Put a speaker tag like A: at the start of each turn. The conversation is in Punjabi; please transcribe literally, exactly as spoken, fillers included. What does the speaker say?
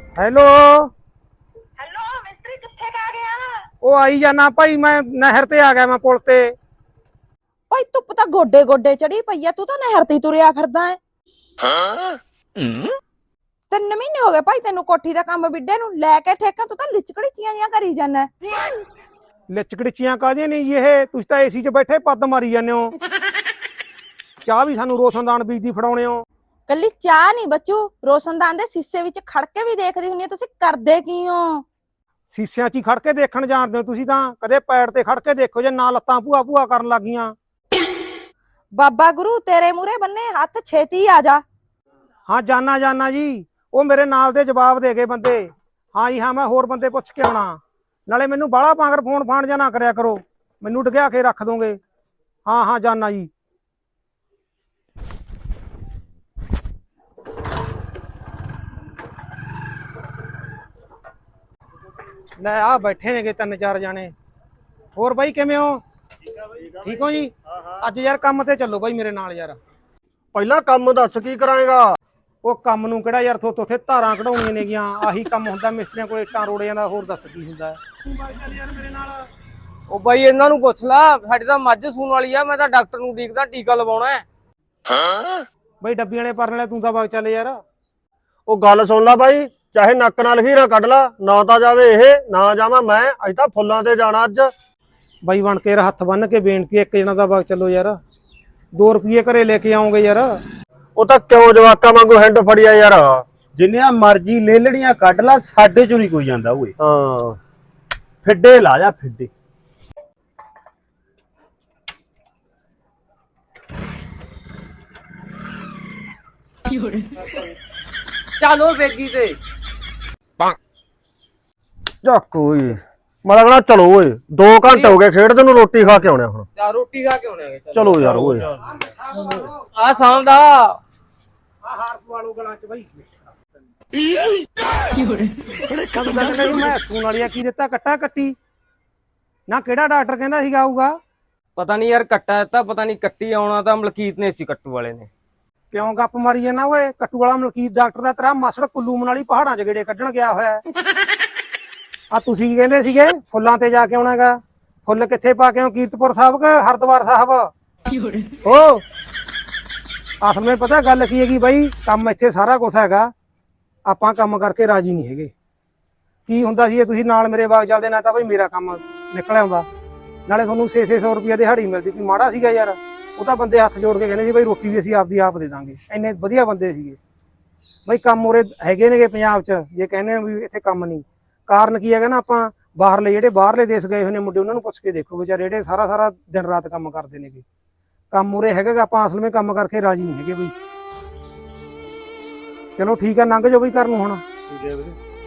A: ਹੈਲੋ
B: ਹੈਲੋ ਮਿਸਤਰੀ ਕਿੱਥੇ ਕ ਆ ਗਿਆ?
A: ਉਹ ਆਈ ਜਾਣਾ ਭਾਈ, ਮੈਂ ਨਹਿਰ ਤੇ ਆ ਗਿਆ, ਮੈਂ ਪੁਲ ਤੇ।
B: ਭਾਈ ਧੁੱਪ ਤਾਂ ਗੋਡੇ ਗੋਡੇ ਚੜੀ ਪਈ ਆ, ਤੂੰ ਤਾਂ ਨਹਿਰ ਤੇ ਤੁਰਿਆ ਫਿਰਦਾ ਹੈ।
C: ਹਾਂ।
B: ਤਿੰਨ ਮਹੀਨੇ ਹੋ ਗਏ ਭਾਈ ਤੈਨੂੰ ਕੋਠੀ ਦਾ ਕੰਮ ਵਿੱਢੇ ਨੂੰ, ਲੈ ਕੇ ਠੇਕਾ ਤੂੰ ਤਾਂ ਲਿਚਕੜੀਚੀਆਂ ਜੀਆਂ ਕਰੀ ਜਾਂਦਾ।
A: ਲਿਚਕੜੀਚੀਆਂ ਕਾਹਦੀਆਂ ਨਹੀਂ ਜੀ, ਇਹ ਤੁਸੀਂ ਤਾਂ ਏਸੀ 'ਚ ਬੈਠੇ ਪੱਦ ਮਾਰੀ ਜਾਂਦੇ ਹੋ। ਚਾਹ ਵੀ ਸਾਨੂੰ ਰੋਸ਼ਨਦਾਨ ਬੀਜਦੀ ਫੜਾਉਣੇ ਹੋ।
B: ਕੱਲੀ ਚਾਹ ਨਹੀਂ ਬੱਚੂ, ਰੋਸ਼ਨਦਾਨ ਦੇ ਸੀਸੇ ਵਿੱਚ ਖੜ ਕੇ ਵੀ ਦੇਖਦੀ ਹੁੰਨੀ ਆ, ਤੁਸੀਂ ਕਰਦੇ ਕੀ ਹੋ?
A: ਸੀਸਿਆਂ 'ਚ ਹੀ ਖੜ ਕੇ ਦੇਖਣ ਜਾਣਦੇ ਹੋ ਤੁਸੀਂ ਤਾਂ, ਕਦੇ ਪੈਰ ਤੇ ਖੜ ਕੇ ਦੇਖੋ ਜੇ ਨਾ ਲੱਤਾਂ ਭੂਆ ਭੂਆ ਕਰਨ ਲੱਗ ਗਈਆਂ।
B: ਬਾਬਾ ਗੁਰੂ ਤੇਰੇ ਮੂਹਰੇ ਬੰਨੇ ਹੱਥ, ਛੇਤੀ ਆ ਜਾ।
A: ਹਾਂ ਜਾਨਾ ਜਾਨਾ ਜੀ, ਉਹ ਮੇਰੇ ਨਾਲ ਦੇ ਜਵਾਬ ਦੇ ਗਏ ਬੰਦੇ। ਹਾਂ ਜੀ ਹਾਂ, ਮੈਂ ਹੋਰ ਬੰਦੇ ਪੁੱਛ ਕੇ ਆਉਣਾ। ਨਾਲੇ ਮੈਨੂੰ ਬਾਹਲਾ ਪਾਂਗਰ ਫੋਨ ਫਾਨ ਜਾਂ ਨਾ ਕਰਿਆ ਕਰੋ, ਮੈਨੂੰ ਡਗਿਆ ਕੇ ਰੱਖ ਦੋਗੇ। ਹਾਂ ਹਾਂ ਜਾਨਾ ਜੀ। ਲੈ ਆ ਬੈਠੇ ਨੇਗੇ ਤਿੰਨ ਚਾਰ ਜਾਣੇ। ਹੋਰ ਬਾਈ ਕਿਵੇਂ ਹੋ? ਠੀਕ ਹੋ ਜੀ? ਅੱਜ ਯਾਰ ਕੰਮ ਤੇ ਚੱਲੋ ਬਾਈ ਮੇਰੇ ਨਾਲ ਯਾਰ।
D: ਪਹਿਲਾਂ ਕੰਮ ਦੱਸ ਕੀ ਕਰਾਏਗਾ?
A: ਉਹ ਕੰਮ ਨੂੰ ਕਿਹੜਾ ਯਾਰ ਥੋਤੋਂ ਉੱਥੇ ਧਾਰਾਂ ਕਢਾਉਣੀਆਂ ਨੇਗੀਆਂ, ਆਹੀ ਕੰਮ ਹੁੰਦਾ ਮਿਸਤਰੀਆਂ ਕੋਲ, ਇੱਟਾਂ ਰੋੜਿਆਂ ਦਾ। ਹੋਰ ਦੱਸ ਕੀ ਹੁੰਦਾ ਯਾਰ ਮੇਰੇ ਨਾਲ?
E: ਉਹ ਬਾਈ ਇਹਨਾਂ ਨੂੰ ਪੁੱਛ ਲਾ, ਸਾਡੀ ਤਾਂ ਮੱਝ ਸੂਣ ਵਾਲੀ ਆ, ਮੈਂ ਤਾਂ ਡਾਕਟਰ ਨੂੰ ਉਡੀਕਦਾ, ਟੀਕਾ ਲਵਾਉਣਾ ਹੈ।
C: ਹਾਂ।
A: ਬਾਈ ਡੱਬੀ ਵਾਲੇ ਪਰਨ ਵਾਲੇ ਤੂੰ ਤਾਂ ਵਗ ਚੱਲ ਯਾਰ।
D: ਉਹ ਗੱਲ ਸੁਣ ਲੈ ਬਾਈ, ਚਾਹੇ ਨੱਕ ਨਾਲ ਹੀਰਾ ਕੱਢ ਲਾ, ਨਾ ਤਾਂ ਜਾਵੇ ਇਹ ਨਾ ਜਾਵਾਂ ਮੈਂ। ਅੱਜ ਤਾਂ ਫੁੱਲਾਂ ਤੇ ਜਾਣਾ ਅੱਜ।
A: ਬਾਈ ਬਣ ਕੇ ਹੱਥ ਬੰਨ ਕੇ ਬੇਨਤੀ, ਇੱਕ ਜਣਾ ਦਾ ਵਗ ਚੱਲੋ ਯਾਰ। ਦੋ ਰੁਪਏ ਘਰੇ ਲੈ ਕੇ ਆਉਂਗੇ ਯਾਰ।
D: ਉਹ ਤਾਂ ਕਿਉਂ ਜਵਾਕਾਂ ਵਾਂਗੂ ਹੈਂਡ ਫੜਿਆ ਯਾਰ।
F: ਜਿੰਨੀਆਂ ਮਰਜ਼ੀ ਲੇਲੜੀਆਂ ਕੱਢ ਲਾ, ਸਾਡੇ ਚੋਂ ਨਹੀਂ ਕੋਈ ਜਾਂਦਾ ਓਏ।
D: ਹਾਂ
F: ਫਿੱਡੇ ਲਾ ਜਾ ਫਿੱਡੇ।
E: ਚਲੋ ਵੇਗੀ ਤੇ
D: ਚੱਕ ਓਏ, ਮੈਂ ਲੱਗਣਾ ਚਲੋ ਓਏ, ਦੋ ਘੰਟੇ ਹੋ ਗਏ ਖੇਡਦੇ ਨੂੰ, ਰੋਟੀ ਖਾ ਕੇ ਆਉਣੇ ਹੁਣ।
E: ਚਾ ਰੋਟੀ ਖਾ ਕੇ ਆਉਣੇ।
D: ਚਲੋ ਯਾਰ ਓਏ।
E: ਆ ਸਾਂਭ ਦਾ
A: ਆ ਹਾਰ ਪਵਾਲੋ ਗਲਾਂ 'ਚ ਬਾਈ। ਕਦੋਂ ਤੱਕ ਨਹੀਂ ਮੈਂ ਸੂਣ ਵਾਲੀ ਆ, ਕੀ ਦਿੱਤਾ ਕੱਟਾ ਕੱਟੀ ਨਾ? ਕਿਹੜਾ ਡਾਕਟਰ ਕਹਿੰਦਾ ਸੀਗਾ ਆਊਗਾ?
E: ਪਤਾ ਨਹੀਂ ਯਾਰ, ਕੱਟਾ ਦਿੱਤਾ, ਪਤਾ ਨਹੀਂ ਕੱਟੀ ਆਉਣਾ ਤਾਂ ਮਲਕੀਤ ਨੇ ਸੀ, ਕੱਟੂ ਵਾਲੇ ਨੇ।
A: ਕਿਉਂ ਗੱਪ ਮਾਰੀ ਜਾਂਦਾ ਓਏ? ਕੱਟੂ ਵਾਲਾ ਮਲਕੀਤ ਡਾਕਟਰ ਦਾ ਤੇਰਾ ਮਾਸੜ ਕੁੱਲੂ ਮਨਾਲੀ ਪਹਾੜਾਂ 'ਚ ਗੇੜੇ ਕੱਢਣ ਗਿਆ ਹੋਇਆ। ਆ ਤੁਸੀਂ ਕੀ ਕਹਿੰਦੇ ਸੀਗੇ ਫੁੱਲਾਂ ਤੇ ਜਾ ਕੇ ਆਉਣਾਗਾ? ਫੁੱਲ ਕਿੱਥੇ ਪਾ ਕੇ ਆਉ, ਕੀਰਤਪੁਰ ਸਾਹਿਬ ਕਿ ਹਰਿਦੁਆਰ ਸਾਹਿਬ? ਓ ਅਸਲ ਵਿੱਚ ਪਤਾ ਗੱਲ ਕੀ ਹੈਗੀ ਬਾਈ, ਕੰਮ ਇੱਥੇ ਸਾਰਾ ਕੁਛ ਹੈਗਾ, ਆਪਾਂ ਕੰਮ ਕਰਕੇ ਰਾਜੀ ਨਹੀਂ ਹੈਗੇ। ਕੀ ਹੁੰਦਾ ਸੀ, ਤੁਸੀਂ ਨਾਲ ਮੇਰੇ ਬਾਗ ਚੱਲਦੇ ਨਾ ਤਾਂ ਬਾਈ ਮੇਰਾ ਕੰਮ ਨਿਕਲ ਆਉਂਦਾ, ਨਾਲੇ ਤੁਹਾਨੂੰ ਛੇ ਛੇ ਸੌ ਰੁਪਇਆ ਦਿਹਾੜੀ ਮਿਲਦੀ। ਕੋਈ ਮਾੜਾ ਸੀਗਾ ਯਾਰ? ਉਹ ਤਾਂ ਬੰਦੇ ਹੱਥ ਜੋੜ ਕੇ ਕਹਿੰਦੇ ਸੀ ਬਾਈ ਰੋਟੀ ਵੀ ਅਸੀਂ ਆਪਦੀ ਆਪ ਦੇ ਦਾਂਗੇ, ਇੰਨੇ ਵਧੀਆ ਬੰਦੇ ਸੀਗੇ ਬਾਈ। ਕੰਮ ਉਰੇ ਹੈਗੇ ਨੇਗੇ ਪੰਜਾਬ 'ਚ, ਜੇ ਕਹਿੰਦੇ ਵੀ ਇੱਥੇ ਕੰਮ ਨਹੀਂ। ਕਾਰਨ ਕੀ ਹੈਗਾ ਨਾ, ਆਪਾਂ ਬਾਹਰਲੇ ਜਿਹੜੇ ਬਾਹਰਲੇ ਦੇਸ਼ ਗਏ ਹੋਏ ਨੇ ਮੁੰਡੇ, ਉਹਨਾਂ ਨੂੰ ਪੁੱਛ ਕੇ ਦੇਖੋ ਵਿਚਾਰੇ, ਜਿਹੜੇ ਸਾਰਾ ਸਾਰਾ ਦਿਨ ਰਾਤ ਕੰਮ ਕਰਦੇ ਨੇਗੇ। ਕੰਮ ਉਰੇ ਹੈਗਾ, ਆਪਾਂ ਅਸਲ ਵਿੱਚ ਕੰਮ ਕਰਕੇ ਰਾਜੀ ਨਹੀਂ ਹੈਗੇ ਬਈ। ਚਲੋ ਠੀਕ ਆ, ਲੰਘ ਜਾਓ ਬਈ ਘਰ ਨੂੰ ਹੁਣ।
D: ਠੀਕ ਹੈ ਵੀਰੇ।